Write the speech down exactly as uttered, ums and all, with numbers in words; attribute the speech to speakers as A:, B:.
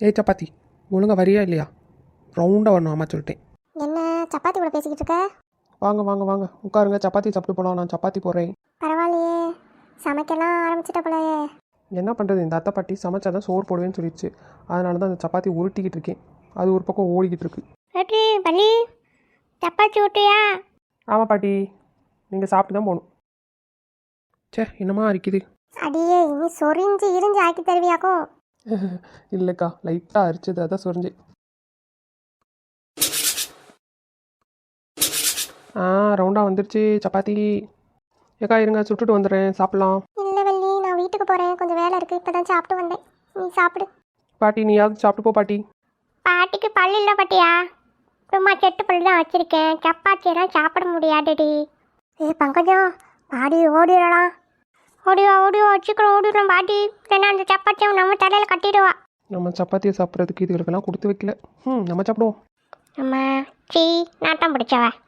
A: ஏய் சப்பாத்தி, ஒழுங்கா வரியா இல்லையா? ரவுண்டாக வரணும் அம்மா சொல்லிட்டேன்.
B: என்ன சப்பாத்தி கூட பேசிக்கிட்டு இருக்க?
A: வாங்க வாங்க வாங்க உட்காருங்க, சப்பாத்தி சாப்பிட்டு போகலாம். நான் சப்பாத்தி போடுறேன்.
B: பரவாயில்லையே, சமைக்கலாம் ஆரம்பிச்சிட்ட போலயே.
A: என்ன பண்ணுறது, இந்த அத்தை பாட்டி சமைச்சாதான் சோறு போடுவேன்னு சொல்லிடுச்சு. அதனால தான் அந்த சப்பாத்தி உருட்டிக்கிட்டு இருக்கேன். அது ஒரு பக்கம் ஓடிக்கிட்டு இருக்கு.
B: ஏட்டி பள்ளி, சப்பாத்தி ஊட்டியா?
A: ஆமாம் பாட்டி, நீங்கள் சாப்பிட்டு தான் போகணும். சே, என்னமா அரிக்குது.
B: அடியே, இனி சொரிஞ்சு இரிஞ்சு ஆக்கி தருவியாக்கும்.
A: இல்லைக்கா, லைட்டாக அரிச்சது, அதான் சொரிஞ்சேன். ஆ, ரவுண்டாக வந்துருச்சு சப்பாத்தி. ஏக்கா இருங்க, சுட்டுட்டு வந்துடுறேன், சாப்பிட்லாம்.
B: இல்லை வள்ளி, நான் வீட்டுக்கு போகிறேன், கொஞ்சம் வேலை இருக்குது. இப்போ தான் சாப்பிட்டு வந்தேன். நீ சாப்பிடு.
A: பாட்டி நீயாவது சாப்பிட்டு போ பாட்டி.
B: பாட்டிக்கு பல் இல்லை பாட்டியா, சும்மா செட்டு பல் தான் வச்சுருக்கேன். சப்பாத்தியெல்லாம் சாப்பிட முடியாதுடி. ஏ பங்கஜம், பாடி ஓடிடலாம். ஓடிவா ஓடிவா, வச்சுக்கிறோம் ஓடிடுறோம் பாட்டி. இல்லைன்னா அந்த சப்பாத்தியை நம்ம தலையில் கட்டிடுவா.
A: நம்ம சப்பாத்தியை சாப்பிட்றதுக்கு இதுகளுக்கெல்லாம் கொடுத்து வைக்கல. ம் நம்ம சாப்பிடுவோம்.
B: நம்ம சீ நாட்டம் பிடிச்சவ.